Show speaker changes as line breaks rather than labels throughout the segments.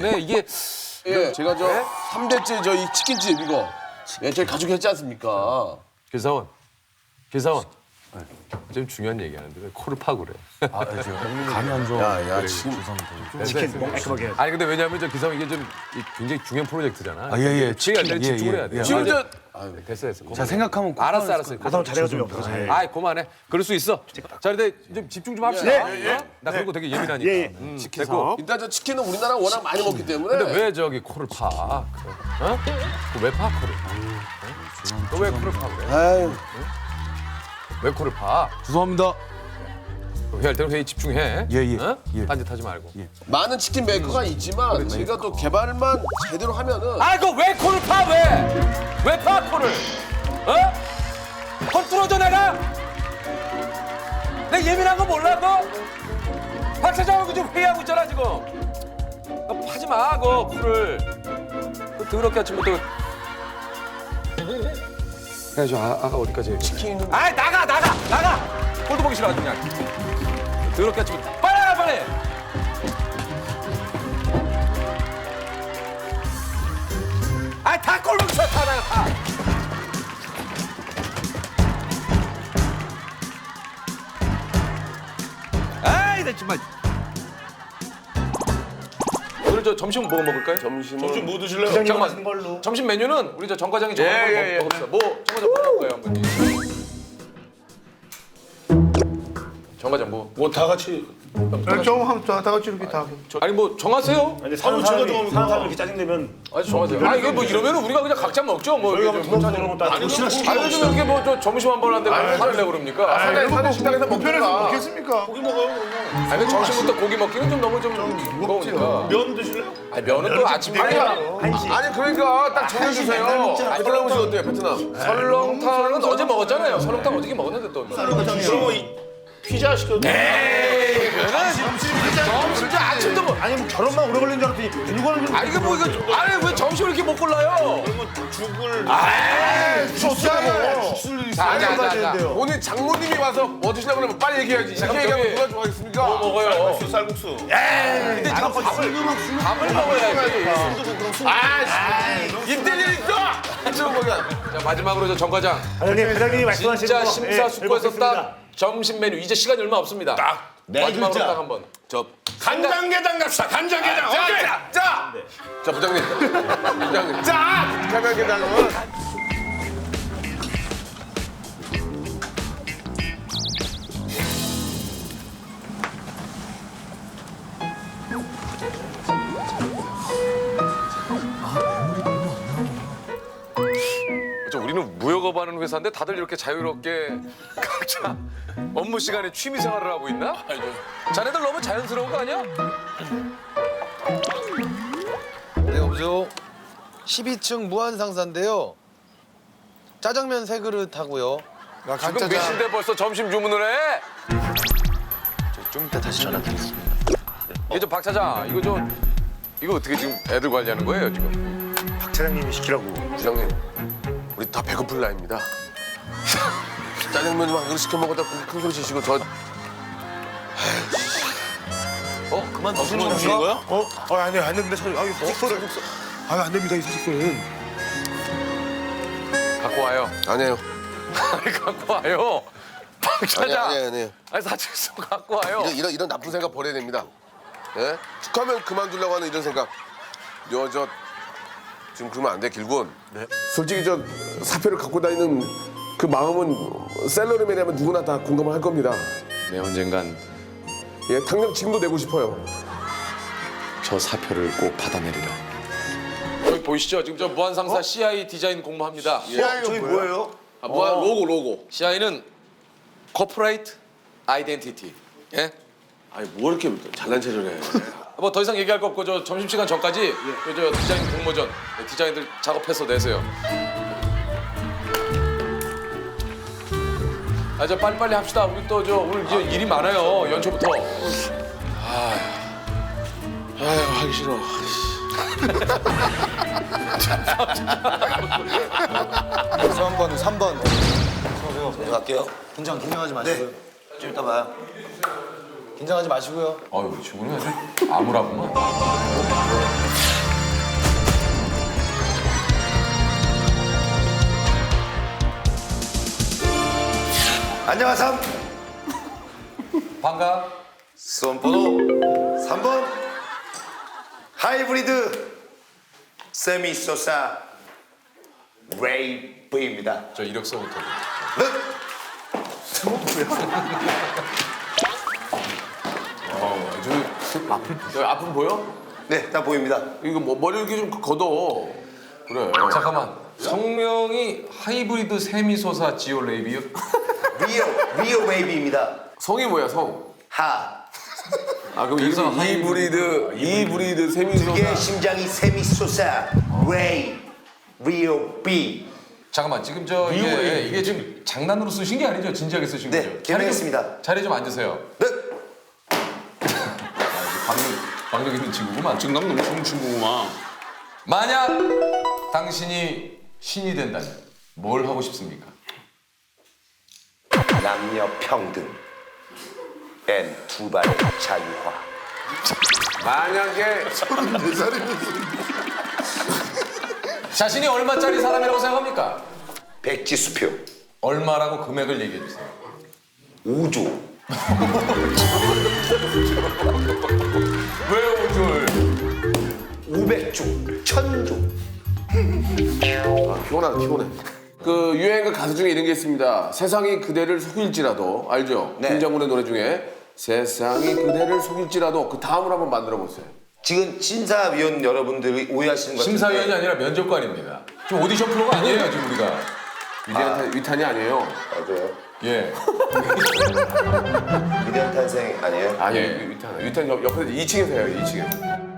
때문에 이게
예, 제가 저 3대째 저 이 치킨집 이거 예, 저희 가족 했지 않습니까?
기사원 좀 중요한 얘기하는데 왜 코를 파고 그래?
간이 안 좋아.
야, 지금
치킨 깔끔하게.
아니 근데 왜냐하면 저 기사원 이게 좀 굉장히 중요한 프로젝트잖아.
아, 예.
치킨 안 집중을 해야 돼.
지금 저
됐어.
자 생각하면
알았어.
가서 잘해가지고 잘.
아이 그만해. 그럴 수 있어. 자 근데 좀 집중 좀 합시다. 어? 나 그런 거 되게 예민하니까. 됐고.
일단 저 치킨은 우리나라 워낙 많이 먹기 때문에
근데 왜 저기 코를 파? 어? 왜 파 코를? 너 왜 코를 파 그래?
아유,
왜 코를 파?
죄송합니다.
회의할 때는 회의 집중해.
예.
어?
예.
딴짓하지 말고.
많은 치킨 메이커가 있지만 제가 또 개발만 제대로 하면은
아, 그 왜 코를 파 왜? 왜 파 코를? 어? 헐 뚫어줘 내가? 내가 예민한 거 몰라 너? 박 차장하고 지금 회의하고 있잖아 지금. 너 파지 마, 그 코를. 그 더럽게 아침부터. 야, 저 아가 어디까지?
치킨은
아이 나가. 꼴도 보기 싫어 아주 그냥. 더럽게 아침부터. 빨리 나가 빨리. 아이 다 꼴보기 싫어 다 나가 다. 아이 나 정말. 오늘 저 점심 뭐 먹을까요?
점심은
뭐 드실래요?
잠깐만.
걸로.
점심 메뉴는 우리 저 정 과장이 정한 걸 먹읍시다. 뭐 정 과장 뭐 먹을까요 한번? 정 과장 뭐?
뭐 다 같이
다 같이 이렇게 다.
아니 뭐 정하세요.
아니 사는 사람이 이렇게 짜증내면
아니 정하세요. 아니 이게 뭐 이러면은 우리가 그냥 각자 먹죠. 뭐
저희가
이게
뭐
좀.
도와주는 것도 아니고
아니 요즘 이렇게 뭐 저 점심 한 번 하는데 왜 화를 내고 그럽니까?
사는 식당에서
편해서
먹는다.
먹겠습니까?
고기 먹어요 그러면.
아니 점심부터 고기 먹기는 좀 너무 좀 무거우니까.
면 드실래요?
아니 면은 또 아침
아니,
한시.
아니 그러니까 딱 정해주세요. 베트남 음식 어때요, 베트남?
설렁탕은 어제 먹었잖아요. 설렁탕 어저께 먹었는데 또.
그럼 이 피자 시켜.
점심 아침도 뭐.
아니 뭐 결혼만 오래 걸리는 줄 알았더니 이거는 좀.
아니 이게 뭐 이거 아니 왜 점심을 이렇게 못 골라요?
그러면 죽을.
죽술을
자.
되는데요.
오늘 장모님이 와서 뭐 드시려고 그러면 빨리 얘기해야지. 이렇게
저기-
얘기하면 누가 좋아하겠습니까?
뭐 먹어요?
쌀국수.
근데 지금 밥을 먹어야지.
이때는 있어! 지금 뭐야?
자 마지막으로 저 정 과장.
회장님이 말씀하시는
진짜
거,
심사숙고해서 딱
먹겠습니다.
점심 메뉴 이제 시간이 얼마 없습니다. 마지막으로
글자.
딱 한번.
간장게장 갑시다. 간장게장. 오케이.
자, 부장님. 부장님. 자! 가면게장은
우리는 무역업하는 회사인데 다들 이렇게 자유롭게 각자 업무 시간에 취미 생활을 하고 있나? 자네들 너무 자연스러운 거 아니야?
네, 여보세요. 12층 무한상사인데요. 짜장면 3그릇 하고요.
지금 몇 시인데 벌써 점심 주문을 해?
좀 이따 다시 전화드리겠습니다.
이게 저 박 차장 이거 어떻게 지금 애들 관리하는 거예요 지금?
박 차장님이 시키라고.
부장님, 우리 다 배고플 나이입니다. 짜장면 좀 한 그릇 시켜 먹었다 큰 소리 치시고 저
그만 드시는
무슨
건가?
거야?
안 됩니다. 사식소를. 안 됩니다 이 사식소는.
갖고 와요.
아니에요.
아니 갖고 와요. 박 차장.
아니에요.
아니 사직서 갖고 와요.
이런 나쁜 생각 버려야 됩니다. 예? 축하면 그만두려고 하는 이런 생각. 저 지금 그러면 안 돼, 길군. 네. 솔직히 저 사표를 갖고 다니는 그 마음은 셀러리맨이라면 누구나 다 공감을 할 겁니다.
네, 언젠간
예, 당장 지금도 내고 싶어요.
저 사표를 꼭 받아내리라.
여기 보이시죠? 지금 저 무한상사 CI 디자인 공모합니다.
저기 뭐예요?
무한 로고. CI는 Corporate Identity. 예?
아니 뭐 이렇게 잘난 체를 해.
뭐 더 이상 얘기할 거 없고 저 점심시간 전까지 저 디자인 공모전 디자인들 작업해서 내세요. 아 저 빨리빨리 합시다. 우리 또 저 오늘 이제 일이 많아요. 연초부터.
아유 하기 싫어.
3번. 저 갈게요. 긴장하지 마시고요. 좀 이따 봐요. 긴장하지 마시고요.
아유 지금은 아무라구만.
안녕하삼.
반가.
수험번호 3번 하이브리드 세미소사 레이브입니다.
저 이력서부터.
여기 앞은 보여?
네, 다 보입니다.
이거 뭐 머리 이렇게 좀 걷어. 그래.
잠깐만. 성명이 하이브리드 세미소사 지오 레이비요?
리오 웨이브입니다.
성이 뭐야 성?
하.
아 그럼 이브리드 세미소사.
그게 심장이 세미소사 레이 리오 비.
잠깐만 지금 저 이게 지금 장난으로 쓰신 게 아니죠? 진지하게 쓰신
네,
거죠?
개명했습니다.
자리 좀 앉으세요.
네.
박력 있는 친구구만.
지금 너무 좋은 친구구만.
만약 당신이 신이 된다면 뭘 하고 싶습니까?
남녀 평등 앤 두 발의 자유화.
만약에
자신이 얼마짜리 사람이라고 생각합니까?
백지수표
얼마라고 금액을 얘기해 주세요.
5조.
왜 5조를?
500조. 1000조.
피곤해. 그 유행가 가수 중에 이런 게 있습니다. 세상이 그대를 속일지라도 알죠?
네.
김장군의 노래 중에 세상이 그대를 속일지라도 그 다음을 한번 만들어 보세요.
지금 심사위원 여러분들이 오해하시는 것 같은데
심사위원이 아니라 면접관입니다. 지금 오디션 프로가 아니에요 지금 우리가.
위탄이 아니에요.
맞아요.
예.
위대한 탄생 아니에요?
아니
예.
위탄 옆에서 2층에서 해요. 2층에서.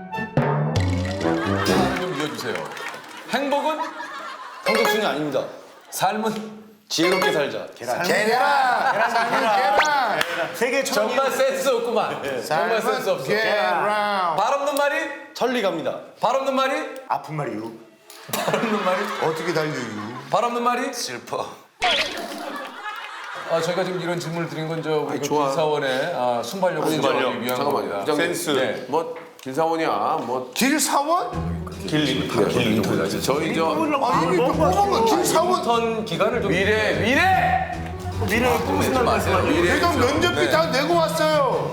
하나 좀 이어주세요. 행복은
성적순이 아닙니다.
삶은
지혜롭게 살자. 계란.
세계 천
정말 센스 없구만. 정말 센스 없어. 발 없는 말이
천리 갑니다.
발 없는 말이
아픈 말이요.
발 없는 말이
어떻게 달려요?
발 없는 말이
슬퍼.
저희가 지금 이런 질문을 드린 건 저 우리 그
좋아.
길사원의 순발력을 인정하기 위한
잠깐만요.
겁니다.
부장님.
센스.
네.
뭐 길사원이야. 뭐
길사원?
저희 저
길사원?
어떤 기간을 좀
미래
미래를 꿈꾸지
마세요.
내가 면접비 다 내고 왔어요.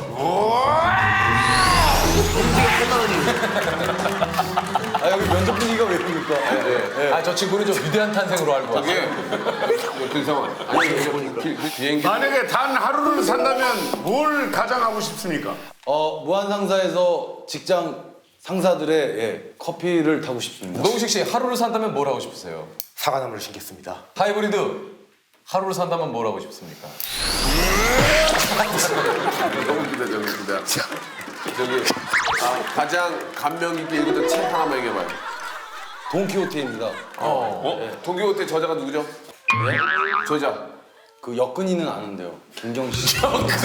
아 여기 면접 분위기가 왜 이럽니까?
저 친구는 좀 위대한 탄생으로 알고 왔어요.
이게 길사원. 아니 비행기.
만약에 단 하루를 산다면 뭘 가장 하고 싶습니까?
무한상사에서 직장 상사들의 커피를 타고 싶습니다.
노우식 씨 하루를 산다면 뭘 하고 싶으세요?
사과나무를 신겠습니다.
하이브리드 하루를 산다면 뭘 하고 싶습니까?
너무 기대. 저기 가장 감명 깊게 읽었던 책 하나만 얘기해봐요.
돈키호테입니다.
동기호테 저자가 누구죠? 네? 저자.
그 역근이는 아는데요. 김경식.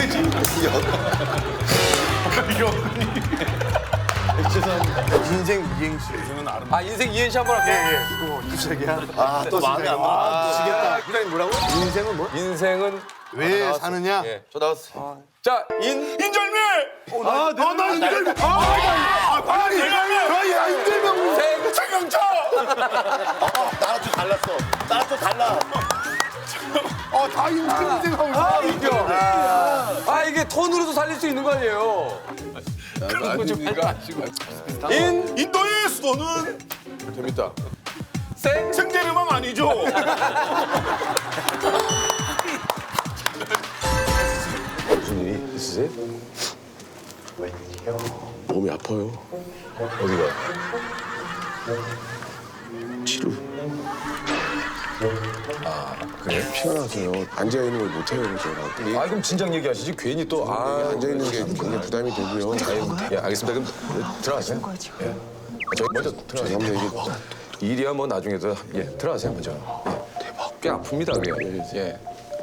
인생 이행시.
인생 이행시 한번 할게요.
또 마음에 안 들어. 지겠다. 부장님 뭐라고? 인생은 뭐?
인생은
왜 사느냐?
저 나왔어요. 자,
인절미!
나 인절미. 빨리 인절미. 야 인절미.
최경철!
나랑 좀 달랐어. 나랑 좀 달라.
다 인생하고 있어.
이게 톤으로도 살릴 수 있는 거 아니에요?
아닙니까?
인도의 수도는
재밌다.
생제르망 아니죠?
무슨 일이 있으세요? 몸이 아파요. 어디가? 치료. 그래? 피가 나서요. 앉아 있는 걸 못해요, 제가.
그럼 진작 얘기하시지 괜히 또
앉아 있는 게 굉장히 부담이 되고요.
예, 알겠습니다. 그럼 들어가세요. 예. 저희 먼저 들어가세요.
죄송합니다.
일이야 뭐 나중에 더 들어가세요 먼저. 대박. 꽤 아픕니다 그게. 예.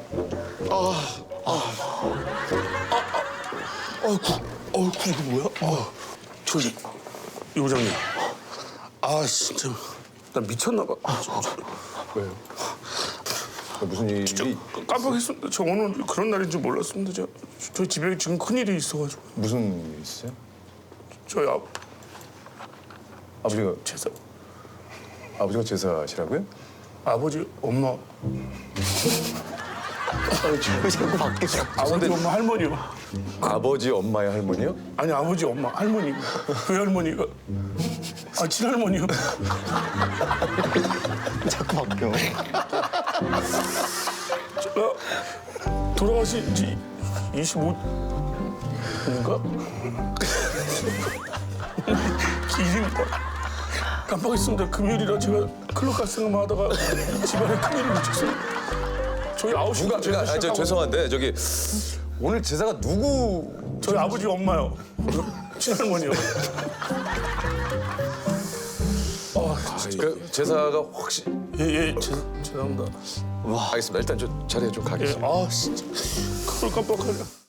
이거 뭐야? 저기 요장님. 진짜 나 미쳤나 봐.
왜요? 무슨 일이
깜빡했습니다. 저 오늘 그런 날인 줄 몰랐습니다. 저희 집에 지금 큰일이 있어가지고
무슨 일 있어요?
저희
아버지가
제사
아버지가 제사하시라고요?
아버지 엄마
왜 자꾸 바뀌어?
아버지, 엄마, 할머니요.
아버지 엄마의 할머니요?
아니 아버지, 엄마, 할머니. 그 할머니가 친할머니요.
자꾸 바뀌어.
제가 돌아가신 지 25년인가? 일입니다. 깜빡했습니다. 금요일이라 제가 클럽 갈 생각만 하다가 집안에 큰일을 미쳤어요. 저희 9시
누가 저 죄송한데 저기 오늘 제사가 누구?
저희 아버지, 엄마요. 친할머니요.
그 제사가 혹시
예, 죄송합니다.
알겠습니다. 일단 저 자리에 좀 가겠습니다.
진짜. 그걸 깜빡하냐.